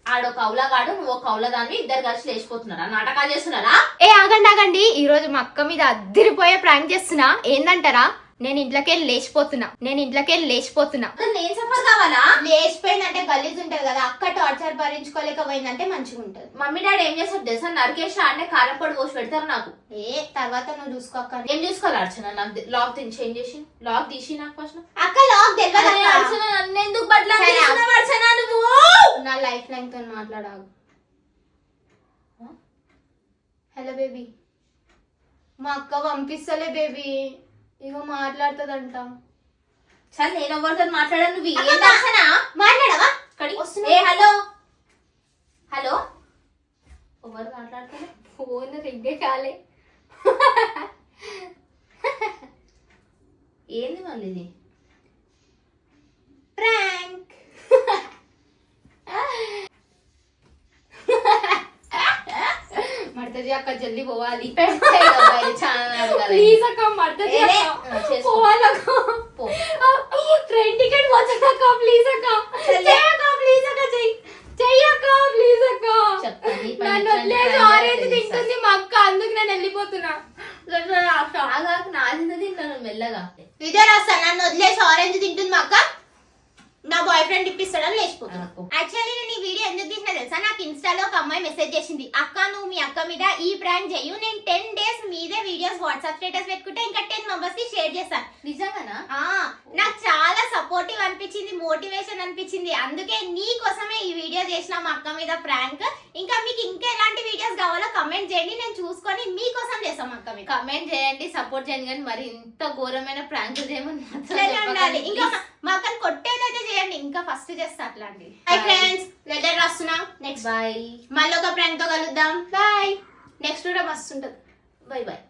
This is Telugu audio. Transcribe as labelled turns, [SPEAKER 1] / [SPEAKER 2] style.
[SPEAKER 1] ఆడో కౌలగాడు నువ్వు కౌలదాన్ని ఇద్దరు కలిసి లేచిపోతున్నారా నాటకాలు చేస్తున్నారా?
[SPEAKER 2] ఏ ఆగండి ఆగండి, ఈ రోజు మా అక్క మీద అద్దిరిపోయే ప్రాంక్ చేస్తున్నా. ఏందంటారా? నేను ఇంట్లోకెళ్ళి లేచిపోతున్నా.
[SPEAKER 1] నేను సఫర్ కావాలా?
[SPEAKER 2] లేచిపోయిందంటే గలీజ్ ఉంటది కదా, అక్క టార్చర్ భరించుకోలేకపోయిందంటే మంచిగా ఉంటది.
[SPEAKER 1] మమ్మీ డాడీ ఏం చేస్తారు తెలుసా? నరికేసి ఆడనే కారం పొడి పోసి పెడతారు నాకు.
[SPEAKER 2] తర్వాత నువ్వు చూసుకో అక్క.
[SPEAKER 1] ఏం చూసుకోవాలి అర్చన? నాకు లాక్ చేంజ్ చేసి లాక్ తీసి నాకు ఫస్ట్.
[SPEAKER 2] అక్క లాక్ తెలియదు
[SPEAKER 1] అర్చన నన్ను ఎందుకు బట్టలు అర్చన నువ్వు?
[SPEAKER 2] నా లైఫ్ లైన్ తో మాట్లాడావు. హలో బేబీ, మా అక్క పంపిస్తలే బేబీ, ఇగో మాట్లాడుతుందంట.
[SPEAKER 1] సరే నేను ఎవరితో మాట్లాడాను? నువ్వు
[SPEAKER 2] మాట్లాడవా?
[SPEAKER 1] ఏ హలో హలో, ఎవరు మాట్లాడతారు?
[SPEAKER 2] ఫోన్ రింగే కాలే.
[SPEAKER 1] ఏంది మళ్ళీ ఇది?
[SPEAKER 2] ప్రాంక్. మర్తజీ అక్క జల్దీ పోవాలి. ప్లీజ్ అక్క, మర్తజీ పోవాలక్క. ట్రైన్ టికెట్ వచ్చాక ప్లీజ్ అక్క, ప్లీజ్ అక్క, చెయ్యక్క ప్లీజ్ అక్క. నన్ను వదిలేసి ఆరెంజ్ తింటుంది మా అక్క, అందుకు నేను వెళ్ళిపోతున్నా.
[SPEAKER 1] నాది తింటాను మెల్లగా.
[SPEAKER 2] ఇదే రాస్తా, నన్ను వదిలేసి ఆరెంజ్ తింటుంది మా అక్క, నా బాయ్ ఫ్రెండ్ ఇప్పిస్తాడని లేచిపోతున్నా. యాక్చువల్లీ నేను ఈ వీడియో ఎందుకు తీసినా తెలుసా? నాకు ఇన్స్టాలో ఒక అమ్మాయి మెసేజ్ చేసింది, అక్క నువ్వు మీ అక్క మీద ఈ ప్రాంక్ చెయ్యు, నేను 10 days మీదే వీడియోస్ వాట్సాప్ స్టేటస్ పెట్టుకుంటే ఇంకా 10 members కి షేర్ చేస్తాను.
[SPEAKER 1] నిజంగానా?
[SPEAKER 2] నాకు చాలా సపోర్టివ్ అనిపించింది, మోటివేషన్ అనిపించింది. అందుకే నీ కోసమే ఈ వీడియో చేసిన మా అక్క మీద ప్రాంక్. ఇంకా మీకు ఇంకా ఎలాంటి వీడియోస్ కావాలో కమెంట్ చేయండి, నేను చూసుకొని మీకోసం చేస్తాం అక్క మీద.
[SPEAKER 1] కమెంట్ చేయండి, సపోర్ట్ చేయండి, కానీ మరి ఇంత ఘోరమైన ప్రాంక్ చేయమని
[SPEAKER 2] ఉండాలి. ఇంకా మా అక్కని కొట్టేదైతే చేయండి, ఇంకా ఫస్ట్ చేస్తా అట్లాంటివి. హై ఫ్రెండ్స్, లెటర్ రాస్తున్నాం. నెక్స్ట్
[SPEAKER 1] బాయ్,
[SPEAKER 2] మళ్ళీ ఒక ప్రాంక్ తో కలుద్దాం. బాయ్. నెక్స్ట్ కూడా మస్తు ఉంటది.
[SPEAKER 1] Bye bye.